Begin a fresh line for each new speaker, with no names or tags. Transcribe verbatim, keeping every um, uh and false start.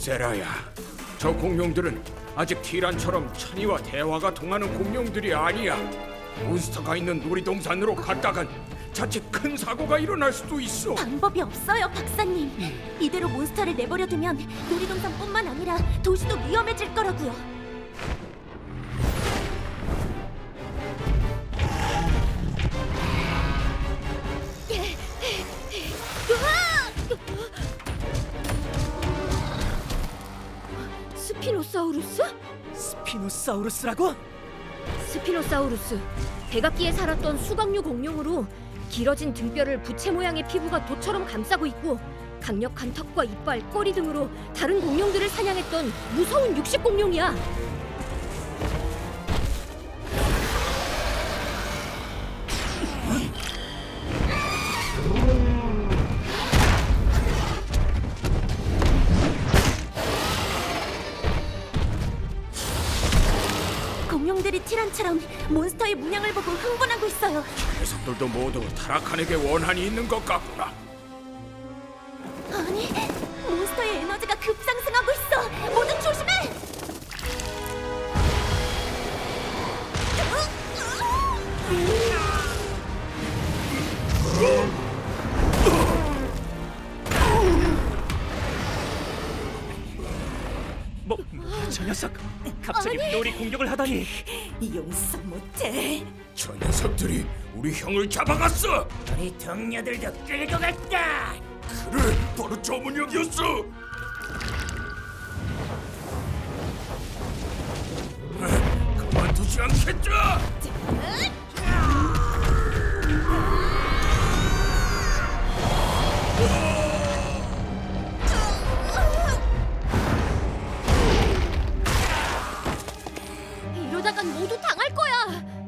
세라야, 저 공룡들은 아직 티란처럼 찬이와 대화가 통하는 공룡들이 아니야. 몬스터가 있는 놀이동산으로 갔다간 자칫 큰 사고가 일어날 수도 있어.
방법이 없어요, 박사님. 이대로 몬스터를 내버려두면 놀이동산뿐만 아니라 도시도 위험해질 거라고요.
스피노사우루스?
스피노사우루스라고?
스피노사우루스, 백악기에 살았던 수각류 공룡으로 길어진 등뼈를 부채 모양의 피부가 돛처럼 감싸고 있고 강력한 턱과 이빨, 꼬리 등으로 다른 공룡들을 사냥했던 무서운 육식 공룡이야.
공룡들이 티란처럼 몬스터의 문양을 보고 흥분하고 있어요.
녀석들도 모두 타라칸에게 원한이 있는 것 같구나.
아니, 몬스터의 에너지가 급상승하고 있어. 모두 조심해!
뭐, 저 녀석 갑자기 우리 공격을 하다니.
용서 못해.
저 녀석들이 우리 형을 잡아갔어.
우리 동료들도 끌고 갔다.
그래, 바로 저 문역이었어. 그만두지 않겠다.
이러다간 모두 당할 거야.